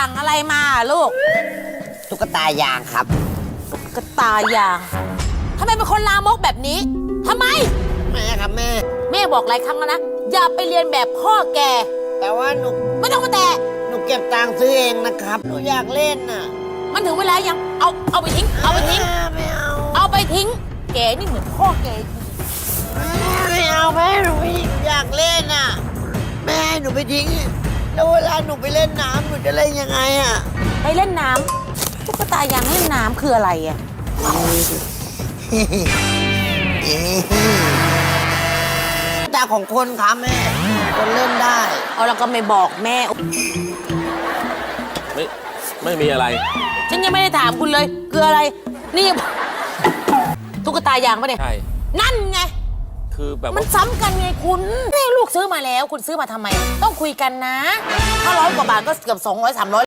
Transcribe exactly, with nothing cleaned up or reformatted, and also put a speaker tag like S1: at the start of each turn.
S1: สั่งอะไรมาลูก
S2: ตุ๊กตายางครับ
S1: ตุ๊กตายางทำไมเป็นคนลามกแบบนี้ทำไม
S2: แม่ครับแม่
S1: แม่บอกหลายครั้งแล้วนะอย่าไปเรียนแบบพ่อแก
S2: แต่ว่าหนู
S1: ไม่ต้องมาแตะ
S2: หนูเก็บตังค์ซื้อเองนะครับหนูอยากเล่นน่ะ
S1: มันถึงเวลายังเอาเอาไปทิ้งเอาไปทิ้ง
S2: ไม่เอา
S1: เอาไปทิ้งแกนี่เหมือนพ่อแก
S2: ไม่เอาแม่หนูไม่อยากเล่นน่ะแม่ให้หนูไปทิ้งแล้วเวลาหนูไปเล่นน้ำหนูจะเล่นยังไงอ่ะ
S1: ไปเล่นน้ำตุ๊กตายางเล่นน้ำคืออะไรอ่ะ
S2: ตาของคนครับแม่คนเล่นได้
S1: เอาแล้วก็ไม่บอกแม่
S3: ไม่ไม่มีอะไร
S1: ฉันยังไม่ได้ถามคุณเลยคืออะไรนี่ตุ๊กตายางปะเนี่ย
S3: ใช่
S1: นั่นไง
S3: คือแบบ
S1: มันซ้ำกันไงคุณนี่ลูกซื้อมาแล้วคุณซื้อมาทำไมต้องคุยกันนะถ้าร้อยกว่าบาทก็เกือบสองร้อยสามร้อย